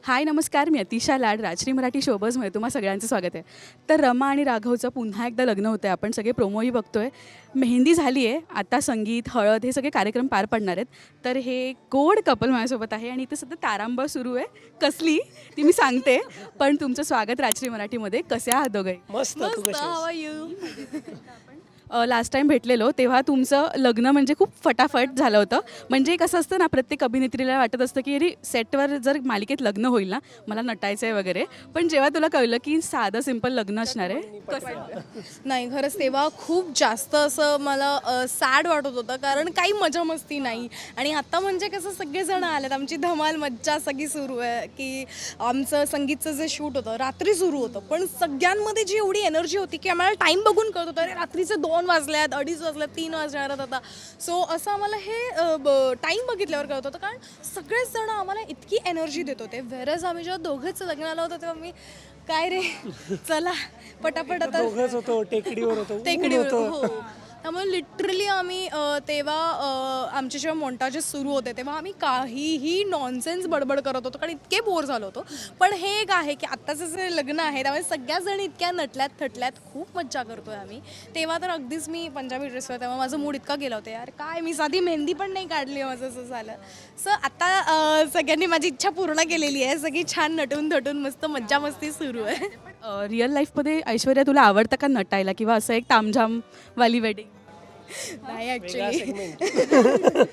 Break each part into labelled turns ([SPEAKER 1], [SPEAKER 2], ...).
[SPEAKER 1] हाय नमस्कार, मी अतिशा लाड राजश्री मराठी शोबजमध्ये तुम्हा सगळ्यांचं स्वागत आहे. तर रमा आणि राघवचं पुन्हा एकदा लग्न होतं आहे. आपण सगळे प्रोमोही बघतोय. मेहंदी झाली आहे, आता संगीत, हळद हे सगळे कार्यक्रम पार पडणार आहेत. तर हे गोड कपल माझ्यासोबत आहे आणि इथे सध्या तारांबळ सुरू आहे. कसली ती मी सांगते, पण तुमचं स्वागत राजश्री मराठीमध्ये. कसे आहात दोघे?
[SPEAKER 2] मस्त. तू कशी
[SPEAKER 3] हाव
[SPEAKER 2] आहेस?
[SPEAKER 3] R you?
[SPEAKER 1] लास्ट टाईम भेटलेलो तेव्हा तुमचं लग्न म्हणजे खूप फटाफट झालं होतं. म्हणजे कसं असतं ना, प्रत्येक अभिनेत्रीला वाटत असतं की अरे सेटवर जर मालिकेत लग्न होईल ना, मला नटायचं आहे वगैरे. पण जेव्हा तुला कळलं की साधं सिंपल लग्न असणार आहे, कसं?
[SPEAKER 3] नाही, खरंच तेव्हा खूप जास्त असं मला सॅड वाटत होतं, कारण काही मजा मस्ती नाही. आणि आता म्हणजे कसं सगळेजण आलेत, आमची धमाल मज्जा सगळी सुरू आहे. की आमचं संगीतचं जे शूट होतं रात्री सुरू होतं, पण सगळ्यांमध्ये जी एवढी एनर्जी होती की आम्हाला टाईम बघून कळत होतं अरे रात्रीचे 2 वाजल्यात, 2:30 वाजल्यात, 3 वाजणार आता. सो असं आम्हाला हे टाईम बघितल्यावर कळत होतं, कारण सगळेच जण आम्हाला इतकी एनर्जी देत होते. व्हेरज आम्ही जेव्हा दोघंच लग्नाला होतो तेव्हा मी काय रे चला पटापट आता
[SPEAKER 2] दोघंच होतो, टेकडीवर होतो, ऊन
[SPEAKER 3] टेकडीवर
[SPEAKER 2] होतं.
[SPEAKER 3] हो. त्यामुळे लिटरली आम्ही तेव्हा आमचे जेव्हा मोंटाजेस सुरू होते तेव्हा आम्ही काहीही नॉनसेन्स बडबड करत होतो, कारण इतके बोर झालो होतो. पण हे एक आहे की आत्ताचं जे लग्न आहे त्यामुळे सगळ्या जणी इतक्या नटल्यात थटल्यात, खूप मज्जा करतोय आम्ही. तेव्हा तर अगदीच मी पंजाबी ड्रेसवर, तेव्हा माझं मूड इतका गेला होता यार, काय मी साधी मेहंदी पण नाही काढली, माझं असं झालं. सो आता सगळ्यांनी माझी इच्छा पूर्ण केलेली आहे. सगळी छान नटून थटून मस्त मज्जा मस्ती सुरू आहे.
[SPEAKER 1] रिअल लाईफमध्ये ऐश्वर्या तुला आवडतं का नटायला, किंवा असं एक तामझामवाली वेडिंग?
[SPEAKER 3] नाही
[SPEAKER 2] वेगळा
[SPEAKER 3] ॲक्च्युली
[SPEAKER 2] segment.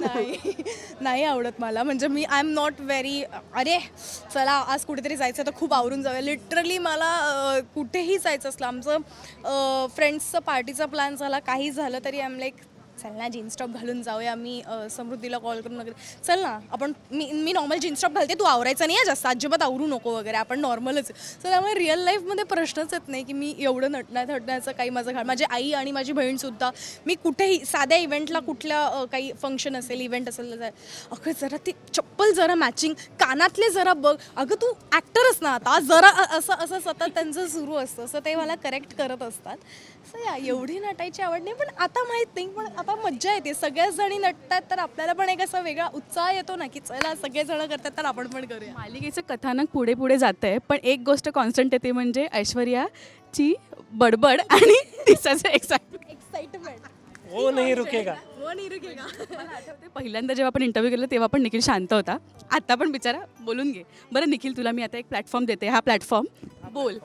[SPEAKER 3] नाही आवडत मला. म्हणजे मी आय एम नॉट व्हेरी अरे चला आज कुठेतरी जायचं तर खूप आवरून जाऊया. लिटरली मला कुठेही जायचं असलं, आमचं फ्रेंड्सचं पार्टीचा प्लॅन झाला, काही झालं तरी आय एम लाईक चल ना जीन्स टॉप घालून जाऊया. मी समृद्धीला कॉल करून वगैरे चल ना आपण, मी नॉर्मल जीन्स टॉप घालते, तू आवरायचं नाही आहे जास्त, अजिबात आवरू नको वगैरे, आपण नॉर्मलच. सो त्यामुळे रिअल लाईफमध्ये प्रश्नच येत नाही की मी एवढं थटण्याचं काही माझं माझी आई आणि माझी बहीणसुद्धा, मी कुठेही साध्या इव्हेंटला, कुठल्या काही फंक्शन असेल, इव्हेंट असेल, अगं जरा ती चप्पल जरा मॅचिंग, कानातले जरा बघ, अगं तू ॲक्टरच ना आता जरा, असं सतत त्यांचं सुरू असतं. असं ते मला करेक्ट करत असतात. सो या एवढी नटायची आवड नाही, पण आता माहीत नाही, पण आता मज्जा येते. सगळ्याच जणी नटतात तर आपल्याला पण एक असा वेगळा उत्साह येतो ना की चला सगळेजण करतात तर आपण पण करूया.
[SPEAKER 1] मालिकेचं कथानक पुढे पुढे जातं आहे, पण एक गोष्ट कॉन्स्टंट येते, म्हणजे ऐश्वर्याची बडबड आणि तिचं
[SPEAKER 3] एक्साइटमेंट
[SPEAKER 2] वो नहीं रुकेगा.
[SPEAKER 3] वो नहीं रुकेगा.
[SPEAKER 1] पहिल्यांदा जेव्हा आपण इंटरव्ह्यू केला तेव्हा पण निखिल शांत होता, आता पण बिचारा बोलून घे. बरं निखिल, तुला मी आता एक प्लॅटफॉर्म देते, हा प्लॅटफॉर्म बोल.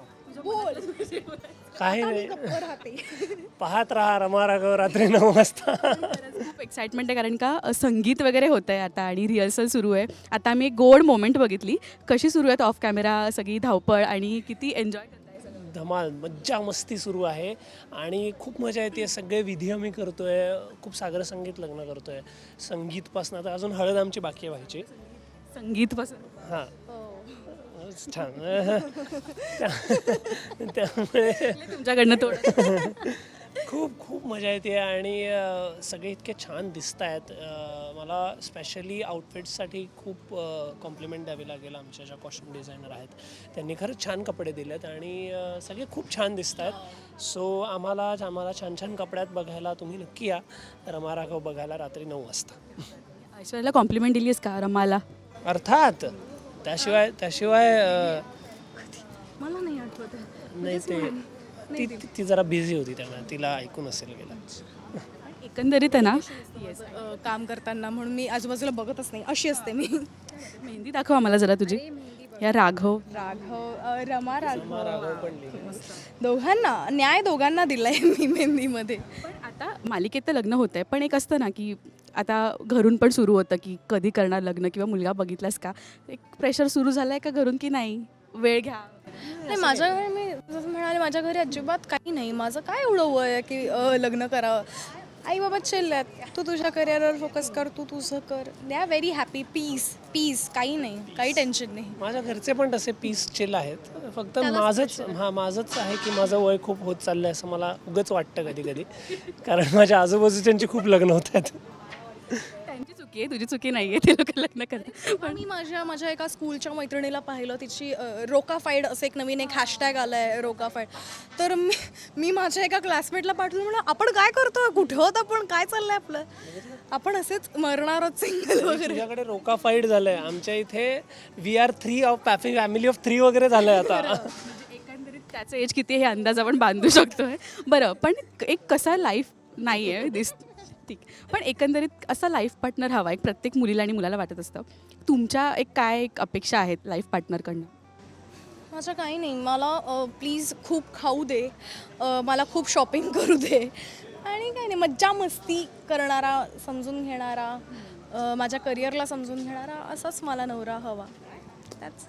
[SPEAKER 2] काही नाही,
[SPEAKER 3] गप्प राहते.
[SPEAKER 2] पाहत राहा रमा राघव रात्री 9 वाजता.
[SPEAKER 1] खूप एक्साइटमेंट आहे, कारण का संगीत वगैरे होतं आहे आता आणि रिहर्सल सुरू आहे. आता आम्ही एक गोड मोमेंट बघितली, कशी सुरू आहेत ऑफ कॅमेरा सगळी धावपळ, आणि किती एन्जॉय करताय सगळं?
[SPEAKER 2] धमाल, मज्जा मस्ती सुरू आहे आणि खूप मजा येते. सगळे विधी आम्ही करतोय, खूप सागर संगीत लग्न करतोय. संगीतपासून आता अजून हळद आमची बाकी आहे व्हायची.
[SPEAKER 1] संगीतपासून
[SPEAKER 2] हां छान. त्यामुळे
[SPEAKER 1] तुमच्याकडनं थोडं
[SPEAKER 2] खूप खूप मजा येते आणि सगळे इतके छान दिसत आहेत. मला स्पेशली आउटफिट्ससाठी खूप कॉम्प्लिमेंट द्यावी लागेल. आमच्या ज्या कॉस्ट्युम डिझायनर आहेत त्यांनी खरंच छान कपडे दिलेत आणि सगळे खूप छान दिसत आहेत. सो आम्हाला छान छान कपड्यात बघायला तुम्ही नक्की या रमा राघव बघायला रात्री 9 वाजता.
[SPEAKER 1] ऐश्वर्याला कॉम्प्लिमेंट दिलीस का रमाला?
[SPEAKER 2] अर्थात त्याशिवाय
[SPEAKER 3] मला नाही आठवत.
[SPEAKER 2] नाही ते ती जरा बिझी होती, त्यामुळे तिला ऐकून असेल गेला.
[SPEAKER 1] एकंदरीत आहे ना,
[SPEAKER 3] काम करताना म्हणून मी आजूबाजूला बघतच नाही, अशी असते मी.
[SPEAKER 1] मेहंदी दाखव आम्हाला जरा तुझी. या राघव
[SPEAKER 3] रमा राघव दोघांना न्याय दोघांना दिलाय मी मेहंदीमध्ये.
[SPEAKER 1] पण आता मालिकेत तर लग्न होतं आहे, पण एक असतं ना की आता घरून पण सुरू होतं की कधी करणार लग्न, किंवा मुलगा बघितलास का, एक प्रेशर सुरू झालं आहे का घरून की नाही वेळ घ्या?
[SPEAKER 3] नाही, माझ्या घरी मी जसं म्हणाले, माझ्या घरी अजिबात काही नाही. माझं काय एवढं वय आहे की लग्न करावं. आई बाबा चिल आहेत, तू तुझ्या करिअरवर फोकस कर, तू तुझं कर. They are very happy. पीस काही नाही, काही टेन्शन नाही.
[SPEAKER 2] माझ्या घरचे पण तसे पीस चिल आहेत. फक्त माझंच आहे की माझं वय खूप होत चाललं आहे असं मला उगाच वाटतं कधी कधी, कारण माझ्या आजूबाजूच्यांची खूप लग्न होत आहेत.
[SPEAKER 1] त्यांची चूक चुकी आहे, तुझी चुकी नाही आहे, ते लोक लग्न करतात.
[SPEAKER 3] पण मी माझ्या एका स्कूलच्या मैत्रिणीला पाहिलं, तिची रोकाफाईड असं एक नवीन एक हॅशटॅग आलं आहे रोकाफाईड. तर मी माझ्या एका क्लासमेटला पाठवलं, म्हणलं आपण काय करतोय, कुठे होत आपण, काय चाललंय आपलं, आपण असेच मरणार आहोत सिंगल वगैरे.
[SPEAKER 2] तुझ्याकडे रोकाफाईड झालंय, आमच्या इथे we are 3 of family of 3 वगैरे झालंय आता.
[SPEAKER 1] म्हणजे एकंदरीत त्याचं एज किती हे अंदाज आपण बांधू शकतोय. बरं, पण एक कसा लाईफ नाही आहे ठीक, पण एकंदरीत असा लाईफ पार्टनर हवा एक प्रत्येक मुलीला आणि मुलाला वाटत असतं. तुमच्या एक अपेक्षा आहेत लाईफ पार्टनरकडनं?
[SPEAKER 3] माझं काही नाही, मला प्लीज खूप खाऊ दे, मला खूप शॉपिंग करू दे, आणि काही नाही, मज्जा मस्ती करणारा, समजून घेणारा, माझ्या करिअरला समजून घेणारा असाच मला नवरा हवा. That's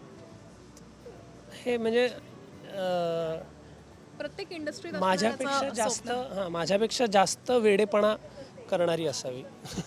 [SPEAKER 2] हे म्हणजे
[SPEAKER 3] प्रत्येक इंडस्ट्रीत
[SPEAKER 2] माझ्यापेक्षा जास्त वेडेपणा करणारी असावी.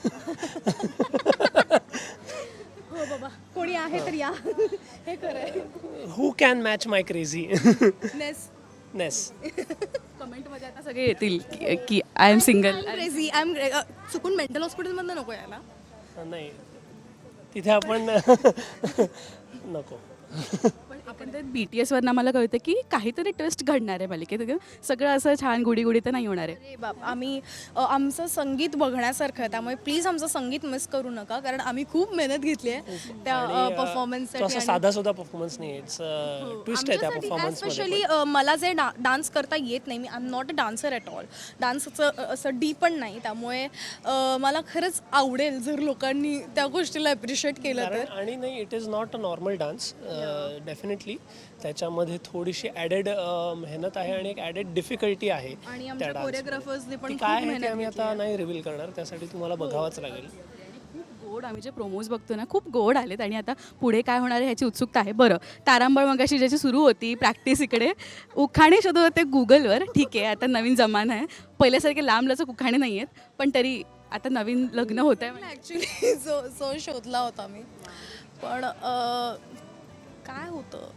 [SPEAKER 3] हो बाबा, कोणी आहे तर या. हे खरंय.
[SPEAKER 2] Who can match my crazy नेस.
[SPEAKER 1] कमेंटमध्ये आता सगळे येतील की I am single.
[SPEAKER 3] Crazy, I am चुकून मेंटल हॉस्पिटलमधनं नको यायला.
[SPEAKER 2] नाही, तिथे आपण नको.
[SPEAKER 1] पण आपण तर BTSवरनं मला कळतं की काहीतरी ट्विस्ट घडणार आहे मालिकेत. सगळं असं छान गुडी तर नाही होणार आहे.
[SPEAKER 3] अरे बाप, आम्ही आमचं संगीत बघण्यासारखं आहे, त्यामुळे प्लीज आमचं संगीत मिस करू नका, कारण आम्ही खूप मेहनत घेतली आहे त्या
[SPEAKER 2] तो
[SPEAKER 3] परफॉर्मन्ससाठी.
[SPEAKER 2] असा साधा सुद्धा परफॉर्मन्स नाही, इट्स ट्विस्ट आहे त्या परफॉर्मन्स मध्ये.
[SPEAKER 3] स्पेशली मला जे डान्स करता येत नाही, मी I am not a dancer at all, डान्सचं असं डी पण नाही, त्यामुळे मला खरंच आवडेल जर लोकांनी त्या गोष्टीला ॲप्रिशिएट केलं तर.
[SPEAKER 2] आणि नाही, it is not a normal dance, definitely त्याच्यामध्ये थोडीशी ॲडेड मेहनत आहे आणि एक ॲडेड डिफिकल्टी आहे
[SPEAKER 3] आणि
[SPEAKER 2] त्या
[SPEAKER 3] आमच्या
[SPEAKER 2] डान्स.
[SPEAKER 3] कोरिओग्राफर्सने पण खूप
[SPEAKER 2] काय आहे ते
[SPEAKER 3] मेहनत
[SPEAKER 2] आम्ही आता नाही रिव्हील करणार, त्यासाठी तुम्हाला बघावंच लागेल.
[SPEAKER 1] खूप गोड, आम्ही जे प्रोमोज बघतो ना खूप गोड आलेत, आणि आता पुढे काय होणार आहे ह्याची उत्सुकता आहे. बरं, तारांबळ मगाशी ज्याची सुरू होती प्रॅक्टिस, इकडे उखाणे शोधत होते गुगलवर. ठीक आहे, आता नवीन जमाना आहे, पहिल्यासारखे लांब लचक उखाणे नाही आहेत, पण तरी आता नवीन लग्न होत आहे.
[SPEAKER 3] ॲक्च्युली जो शोधला होता मी, पण काय होतं,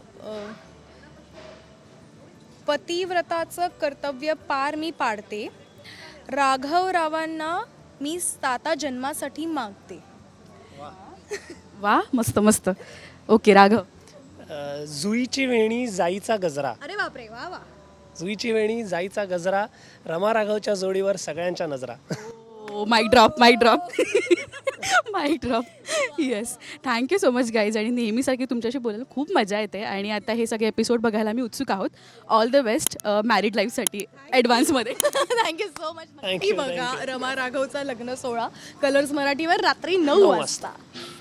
[SPEAKER 3] पतिव्रताचं कर्तव्य पार मी पाडते, राघवरावांना मी 7 जन्मासाठी मागते.
[SPEAKER 1] वा, मस्त मस्त. ओके, राघव.
[SPEAKER 2] जुईची वेणी जाईचा गजरा.
[SPEAKER 3] अरे बापरे, वा वा.
[SPEAKER 2] जुईची वेणी जाईचा गजरा, रमा राघवच्या जोडीवर सगळ्यांच्या नजरा.
[SPEAKER 1] Mic drop mic drop. Yes, thank you so much guys. आणि नेहमीसारखी तुमच्याशी बोलायला खूप मजा येते, आणि आता हे सगळे एपिसोड बघायला मी उत्सुक आहोत. ऑल द बेस्ट मॅरिड लाईफसाठी ॲडव्हान्समध्ये.
[SPEAKER 3] Thank you so much.
[SPEAKER 2] Thank you,
[SPEAKER 3] बघा
[SPEAKER 2] thank you.
[SPEAKER 3] रमा राघवचा लग्न सोहळा कलर्स मराठीवर रात्री 9 वाजता.